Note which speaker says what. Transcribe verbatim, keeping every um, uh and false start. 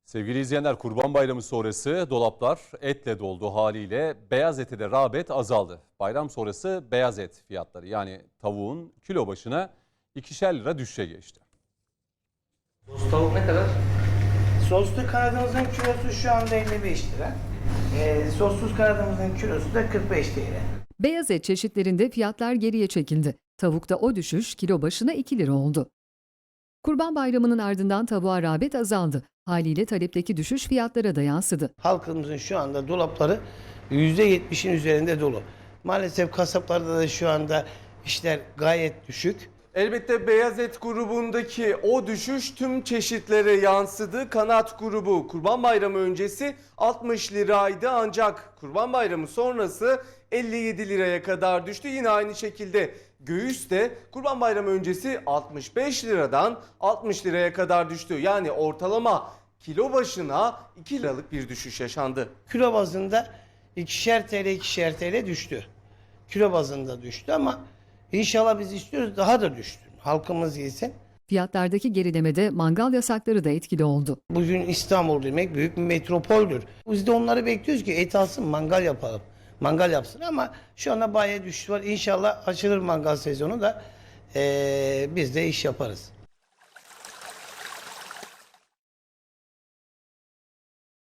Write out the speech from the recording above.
Speaker 1: Sevgili izleyenler, Kurban Bayramı sonrası dolaplar etle doldu haliyle beyaz ete de rağbet azaldı. Bayram sonrası beyaz et fiyatları yani tavuğun kilo başına ikişer lira düşüşe geçti.
Speaker 2: Sos tavuk ne kadar?
Speaker 3: Soslu kanadımızın kilosu şu anda elli beş lira. Ee, sossuz kanadımızın kilosu da kırk beş T L.
Speaker 4: Beyaz et çeşitlerinde fiyatlar geriye çekildi. Tavukta o düşüş kilo başına iki lira oldu. Kurban Bayramı'nın ardından tavuğa rağbet azaldı. Haliyle talepteki düşüş fiyatlara da yansıdı.
Speaker 3: Halkımızın şu anda dolapları yüzde yetmişin üzerinde dolu. Maalesef kasaplarda da şu anda işler gayet düşük.
Speaker 5: Elbette beyaz et grubundaki o düşüş tüm çeşitlere yansıdı. Kanat grubu Kurban Bayramı öncesi altmış liraydı ancak Kurban Bayramı sonrası elli yedi liraya kadar düştü. Yine aynı şekilde göğüs de Kurban Bayramı öncesi altmış beş liradan altmış liraya kadar düştü. Yani ortalama kilo başına iki liralık bir düşüş yaşandı.
Speaker 3: Kilo bazında ikişer T L ikişer T L düştü. Kilo bazında düştü ama inşallah biz istiyoruz daha da düştü. Halkımız yesin.
Speaker 4: Fiyatlardaki gerilemede mangal yasakları da etkili oldu.
Speaker 3: Bugün İstanbul demek büyük bir metropoldür. Biz de onları bekliyoruz ki et alsın mangal yapalım. Mangal yapsın ama şu anda bayağı düşüş var. İnşallah açılır mangal sezonu da ee, biz de iş yaparız.